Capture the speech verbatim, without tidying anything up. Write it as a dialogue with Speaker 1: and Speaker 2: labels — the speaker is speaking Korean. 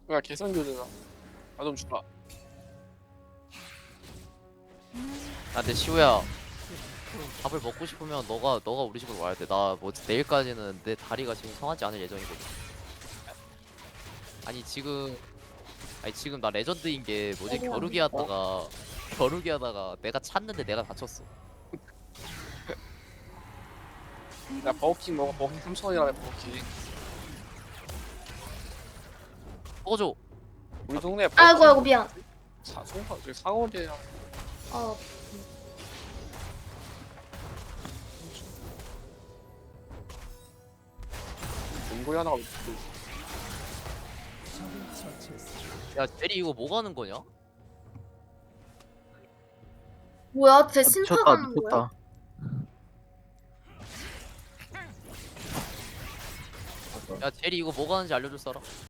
Speaker 1: 야 개선 교대다. 나좀 주라.
Speaker 2: 아 근데 시우야 밥을 먹고 싶으면 너가 너가 우리 집으로 와야 돼. 나 뭐 내일까지는 내 다리가 지금 성하지 않을 예정이거든. 아니 지금 아니 지금 나 레전드인 게 뭐지
Speaker 3: 어머.
Speaker 2: 겨루기 하다가 겨루기 하다가 내가 찼는데 내가 다쳤어.
Speaker 1: 야 버거킹 먹어. 버거킹 삼천 원이라네 버거킹.
Speaker 2: 꺼줘.
Speaker 1: 우리 동네
Speaker 3: 아이고 아이고 미안.
Speaker 1: 사 송파 저기 상월이야.
Speaker 3: 어
Speaker 1: 농구에 하나가 있고.
Speaker 2: 야 제리 이거 뭐 가는 거냐?
Speaker 3: 뭐야? 쟤
Speaker 4: 아,
Speaker 3: 신타
Speaker 4: 미쳤다
Speaker 3: 가는 거야?
Speaker 4: 미쳤다.
Speaker 2: 야 제리 이거 뭐 가는지 알려줄 사람?